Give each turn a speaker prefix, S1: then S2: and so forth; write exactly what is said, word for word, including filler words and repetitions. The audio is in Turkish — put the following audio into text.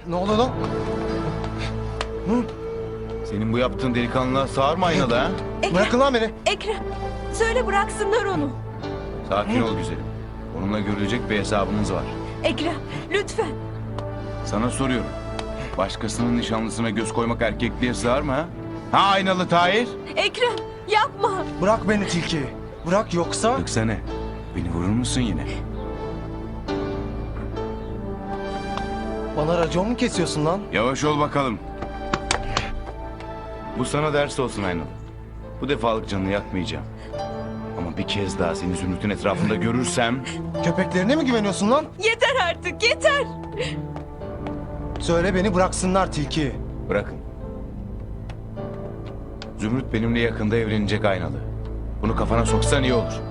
S1: Ne oluyor lan?
S2: Senin bu yaptığın delikanlılığa sığar mı aynalı ha?
S3: Ekrem,
S1: Bırakın lan beni.
S3: Ekrem. Söyle bıraksınlar onu.
S2: Sakin ol güzelim. Onunla görülecek bir hesabımız var.
S3: Ekrem, lütfen.
S2: Sana soruyorum. Başkasının nişanlısına göz koymak erkekliğe sığar mı ha? Ha aynalı Tahir?
S3: Ekrem, yapma.
S1: Bırak beni tilki. Bırak yoksa...
S2: Öksene. Beni vurur musun yine?
S1: Bana racon mu kesiyorsun lan?
S2: Yavaş ol bakalım. Bu sana ders olsun aynalı. Bu defalık canını yakmayacağım. Ama bir kez daha seni Zümrüt'ün etrafında görürsem...
S1: Köpeklerine mi güveniyorsun lan?
S3: Yeter artık, yeter.
S1: Söyle beni bıraksınlar tilki.
S2: Bırakın. Zümrüt benimle yakında evlenecek aynalı. Bunu kafana soksan iyi olur.